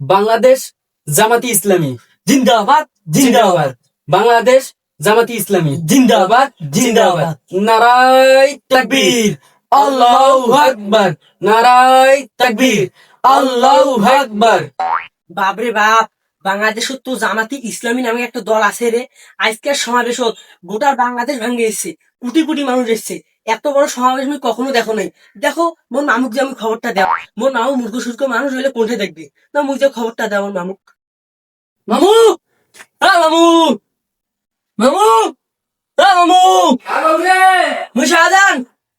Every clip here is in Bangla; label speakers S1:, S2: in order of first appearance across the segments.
S1: বাংলাদেশ জামাতি ইসলামী
S2: জিন্দাবাদ জিন্দাবাদ
S1: বাংলাদেশ জামাতি ইসলামী
S2: জিন্দাবাদ জিন্দাবাদ
S1: নারায় তাকবীর আল্লাহু আকবার নারায় তাকবীর আল্লাহু আকবার।
S2: বাপরে বাপ, বাংলাদেশত তো জামাতি ইসলামী নামে একটা দল আছে রে। আজকের সমাবেশত গোটা বাংলাদেশ ভাঙ্গে এসছে, কোটি কোটি মানুষ এসছে। এত বড় সমাবেশ আমি কখনো দেখো নাই। দেখো মোর মামুক যে আমি খবরটা দেও, মোর মামু মূর্খ সূর্খ মানুষ হইলে কোনটা দেখবে না, মুখ যে খবরটা দেও আমার মামুক। মামু, হ্যাঁ মামু, মামু, হ্যাঁ মামু, মুই শাহজাহান।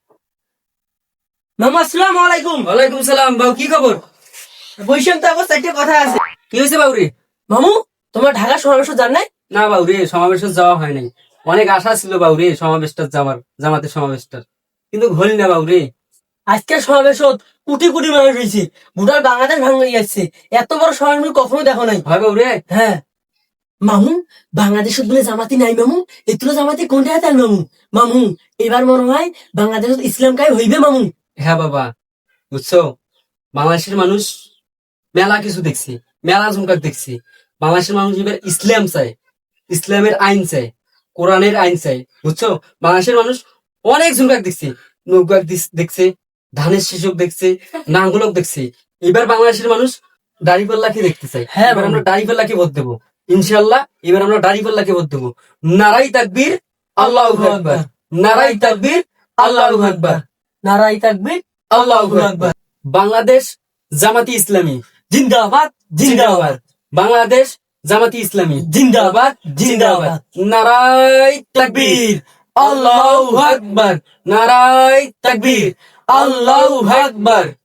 S2: মামু আসসালামু আলাইকুম।
S1: ওয়ালাইকুম সালাম। বাবু কি খবর?
S2: বৈশাখ তো আবার চারটে কথা আছে।
S1: কি হয়েছে বাবুরে?
S2: মামু, তোমার ঢাকা সমাবেশ জান নাই?
S1: না বাবুরে, সমাবেশে যাওয়া হয় নাই। অনেক আশা ছিল বাবুরে সমাবেশটা যাওয়ার, জামাতের সমাবেশটা, কিন্তু হল না বাবুরে।
S2: আজকের সমাবেশত কোটি কোটি মানুষ হয়েছে, গোটা বাংলাদেশ ভাঙে যাচ্ছে। এত বড় সমাবেশ আমি কখনো দেখো নাই।
S1: হয় বাবুরে?
S2: হ্যাঁ মামু, বাংলাদেশত বলে জামাতি নাই মামু, এতুলো জামাতি কোনটা হাতে মামু? মামু, এবার মনে হয় বাংলাদেশত ইসলাম কায় হইবে মামু।
S1: হ্যাঁ বাবা, বুঝছো, বাংলাদেশের মানুষ মেলা কিছু দেখছি, মেলা ঝুমকাক দেখছি। বাংলাদেশের মানুষ এবার ইসলাম চায়, ইসলামের আইন চায়, কোরআনের আইন চায়, বুঝছো। বাংলাদেশের মানুষ অনেক ঝুমকাক দেখছি, নৌকাক দেখছে, ধানের শিশুক দেখছে, নাঙ্গলক দেখছে। এবার বাংলাদেশের মানুষ দাড়িপাল্লাকে দেখতে চাই।
S2: হ্যাঁ,
S1: এবার আমরা দাড়িপাল্লাকে ভোট দেবো ইনশাল্লাহ। এবার আমরা দাড়িপাল্লাকে ভোট দেবো। নারাই তাকবীর আল্লাহু আকবার, নারাই তাকবীর আল্লাহু আকবার,
S2: নারাই তাকবীর
S1: আল্লাহু আকবার। বাংলাদেশ জামাতি ইসলামী
S2: জিন্দাবাদ জিন্দাবাদ
S1: বাংলাদেশ জামাতি ইসলামী
S2: জিন্দাবাদ জিন্দাবাদ
S1: নারায় তাকবীর আল্লাহু আকবার, নারায় তাকবীর আল্লাহু আকবার।